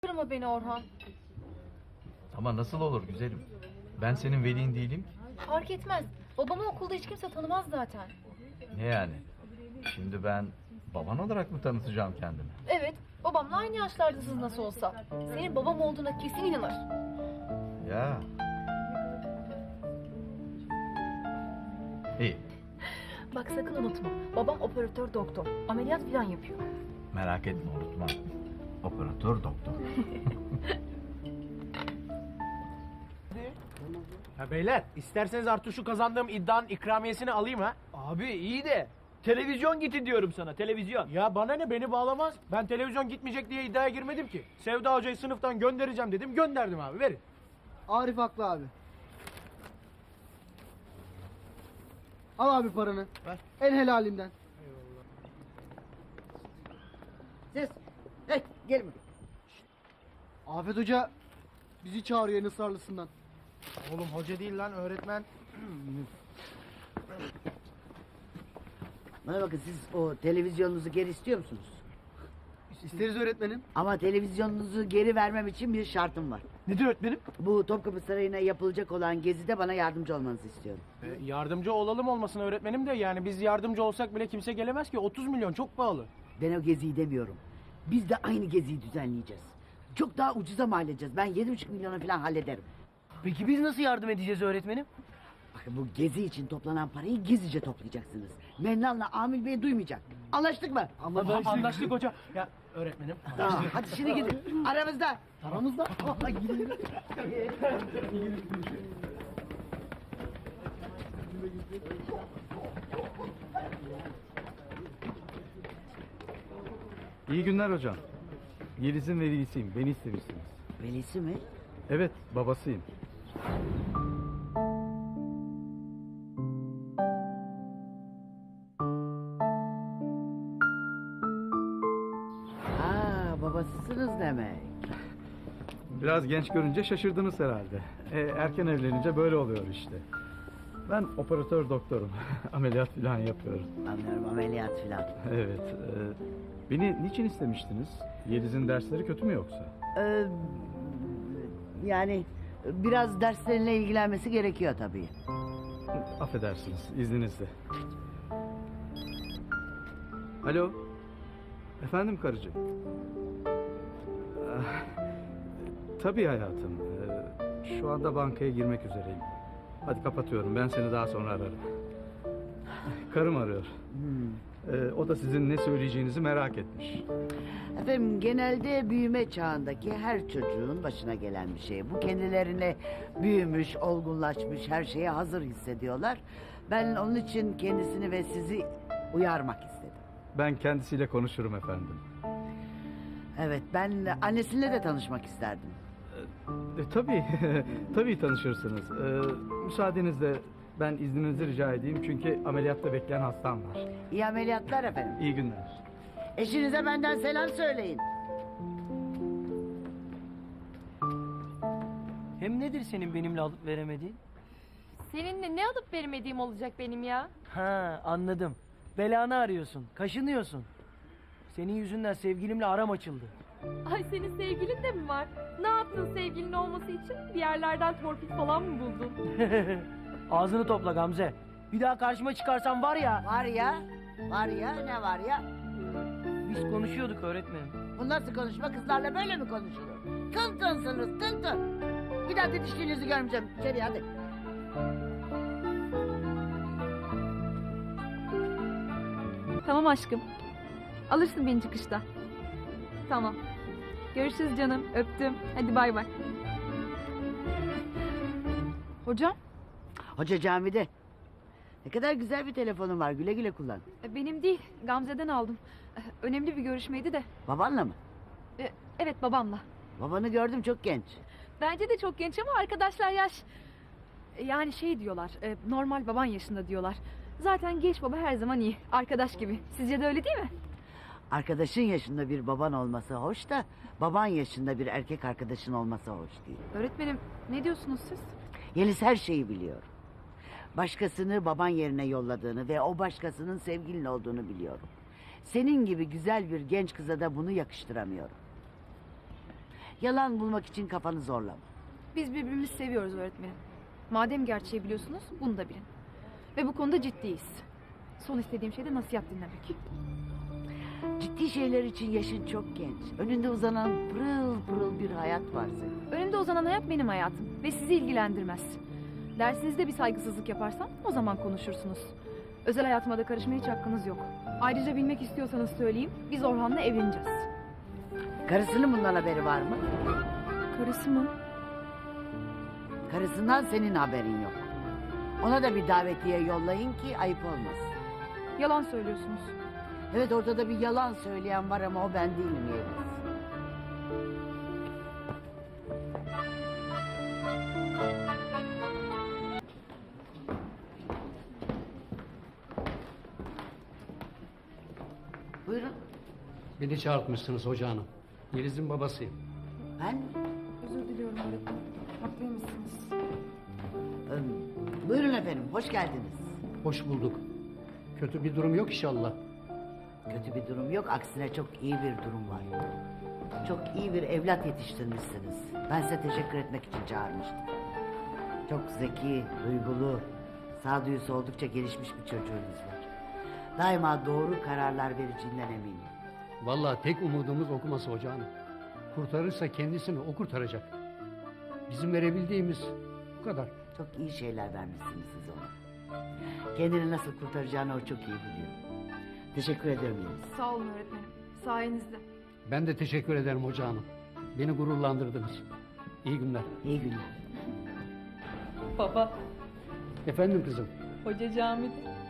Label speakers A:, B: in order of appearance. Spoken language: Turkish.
A: Kırma beni Orhan.
B: Ama nasıl olur güzelim? Ben senin velin değilim ki.
A: Fark etmez. Babamı okulda hiç kimse tanımaz zaten.
B: Ne yani? Şimdi ben baban olarak mı tanıtacağım kendimi?
A: Evet, babamla aynı yaşlardasınız nasıl olsa. Senin babam olduğuna kesin inanır.
B: Ya. İyi,
A: Bak sakın unutma. Babam operatör doktor. Ameliyat falan yapıyor.
B: merak etme unutma. Operatör doktor.
C: Ya beyler isterseniz artık şu kazandığım iddianın ikramiyesini alayım ha.
D: Abi iyi de televizyon gitti diyorum sana, televizyon.
C: Ya bana ne, beni bağlamaz. Ben televizyon gitmeyecek diye iddiaya girmedim ki. Sevda Hoca'yı sınıftan göndereceğim dedim, gönderdim abi, verin.
E: Arif haklı abi. Al abi paranı.
C: Ver.
E: En helalinden.
F: Siz, hey gelin bakayım.
E: Afet Hoca bizi çağırıyor en ısrarlısından.
C: Oğlum hoca değil lan, öğretmen.
F: Bana bakın, siz o televizyonunuzu geri istiyor musunuz?
E: İsteriz öğretmenim.
F: Ama televizyonunuzu geri vermem için bir şartım var.
C: Nedir öğretmenim?
F: Bu Topkapı Sarayı'na yapılacak olan gezide bana yardımcı olmanızı istiyorum.
C: Yardımcı olalım olmasın öğretmenim de, yani biz yardımcı olsak bile kimse gelemez ki, 30 milyon çok pahalı.
F: Ben o geziyi demiyorum. Biz de aynı geziyi düzenleyeceğiz. Çok daha ucuza mal edeceğiz. Ben 7,5 milyona falan hallederim.
D: Peki biz nasıl yardım edeceğiz öğretmenim?
F: Bakın, bu gezi için toplanan parayı gizlice toplayacaksınız. Mennan'la Amil Bey duymayacak. Anlaştık mı?
C: Anlaştık hoca. Ya öğretmenim.
F: Tamam, hadi şimdi gidin. Aramızda.
E: Aramızda.
B: İyi günler hocam. Yeliz'in velisiyim. Beni istemişsiniz.
F: Velisi mi?
B: Evet, babasıyım.
F: Aa, babasısınız demek.
B: Biraz genç görünce şaşırdınız herhalde. Erken evlenince böyle oluyor işte. Ben operatör doktorum. Ameliyat falan yapıyorum.
F: Anlıyorum, ameliyat filan.
B: Evet. Beni niçin istemiştiniz? Yeliz'in dersleri kötü mü yoksa?
F: Yani biraz derslerinle ilgilenmesi gerekiyor tabii.
B: Affedersiniz, izninizle. Alo. Efendim karıcığım. Ah, tabii hayatım. Şu anda bankaya girmek üzereyim. Hadi kapatıyorum. Ben seni daha sonra ararım. Karım arıyor. O da sizin ne söyleyeceğinizi merak etmiş.
F: Efendim, genelde büyüme çağındaki her çocuğun başına gelen bir şey. Bu, kendilerini büyümüş, olgunlaşmış, her şeye hazır hissediyorlar. Ben onun için kendisini ve sizi uyarmak istedim.
B: Ben kendisiyle konuşurum efendim.
F: Evet, ben annesiyle de tanışmak isterdim.
B: Tabii, tabii tanışırsınız. Müsaadenizle ben izninizi rica edeyim çünkü ameliyatta bekleyen hastam var.
F: İyi ameliyatlar efendim.
B: İyi günler.
F: Eşinize benden selam söyleyin.
D: Hem nedir senin benimle alıp veremediğin?
A: Seninle ne alıp veremediğim olacak benim ya?
D: Ha, anladım. Belanı arıyorsun, kaşınıyorsun. Senin yüzünden sevgilimle aram açıldı.
A: Ay, senin sevgilin de mi var? Ne yaptın sevgilin olması için? Bir yerlerden torpil falan mı buldun?
D: Ağzını topla Gamze. Bir daha karşıma çıkarsan var ya...
F: Var ya, var ya, ne var ya?
D: Biz konuşuyorduk öğretmenim.
F: Bu nasıl konuşma? Kızlarla böyle mi konuşulur? Tın tınsınız, tın tın. Bir daha didiştiğinizi görmeyeceğim. İçeri hadi.
A: Tamam aşkım. Alırsın beni çıkışta. Tamam. Görüşürüz canım. Öptüm. Hadi bay bay. Hocam?
F: Hoca camide. Ne kadar güzel bir telefonun var. Güle güle kullan.
A: Benim değil. Gamze'den aldım. Önemli bir görüşmeydi de.
F: Babanla mı?
A: Evet, babamla.
F: Babanı gördüm, çok genç.
A: Bence de çok genç ama arkadaşlar yaş. Yani şey diyorlar. Normal baban yaşında diyorlar. Zaten genç baba her zaman iyi. Arkadaş gibi. Sizce de öyle değil mi?
F: Arkadaşın yaşında bir baban olması hoş da... ...baban yaşında bir erkek arkadaşın olması hoş değil.
A: Öğretmenim, ne diyorsunuz siz?
F: Yeliz her şeyi biliyor. Başkasını baban yerine yolladığını ve o başkasının sevgilin olduğunu biliyorum. Senin gibi güzel bir genç kıza da bunu yakıştıramıyorum. Yalan bulmak için kafanı zorlama.
A: Biz birbirimizi seviyoruz öğretmenim. Madem gerçeği biliyorsunuz, bunu da bilin. Ve bu konuda ciddiyiz. Son istediğim şey de nasihat dinlemek.
F: Ciddi şeyler için yaşın çok genç. Önünde uzanan pırıl pırıl bir hayat var senin.
A: Önümde uzanan hayat benim hayatım ve sizi ilgilendirmez. Dersinizde bir saygısızlık yaparsam o zaman konuşursunuz. Özel hayatıma da karışmaya hiç hakkınız yok. Ayrıca bilmek istiyorsanız söyleyeyim, biz Orhan'la evleneceğiz.
F: Karısının bundan haberi var mı?
A: Karısı mı?
F: Karısından senin haberin yok. Ona da bir davetiye yollayın ki ayıp olmasın.
A: Yalan söylüyorsunuz.
F: Evet, ortada bir yalan söyleyen var ama o ben değilim Yeliz. Buyurun.
G: Beni çağırtmışsınız hoca hanım. Yeliz'in babasıyım.
F: Ben
A: Özür diliyorum öğretmenim. Haklıymışsınız.
F: Buyurun efendim, hoş geldiniz.
G: Hoş bulduk. Kötü bir durum yok inşallah.
F: Kötü bir durum yok, aksine çok iyi bir durum var. Çok iyi bir evlat yetiştirmişsiniz. Ben size teşekkür etmek için çağırmıştım. Çok zeki, duygulu, sağduyusu oldukça gelişmiş bir çocuğunuz var. Daima doğru kararlar vereceğinden eminim.
G: Vallahi tek umudumuz okuması hoca hanım. Kurtarırsa kendisini o kurtaracak. Bizim verebildiğimiz bu kadar.
F: Çok iyi şeyler vermişsiniz siz ona. Kendini nasıl kurtaracağını o çok iyi biliyor. Teşekkür ederim Yeliz.
A: Sağ olun öğretmenim. Sayenizde.
G: Ben de teşekkür ederim hoca hanım. Beni gururlandırdınız. İyi günler.
F: İyi günler.
A: Baba,
G: Efendim kızım.
A: hoca camide.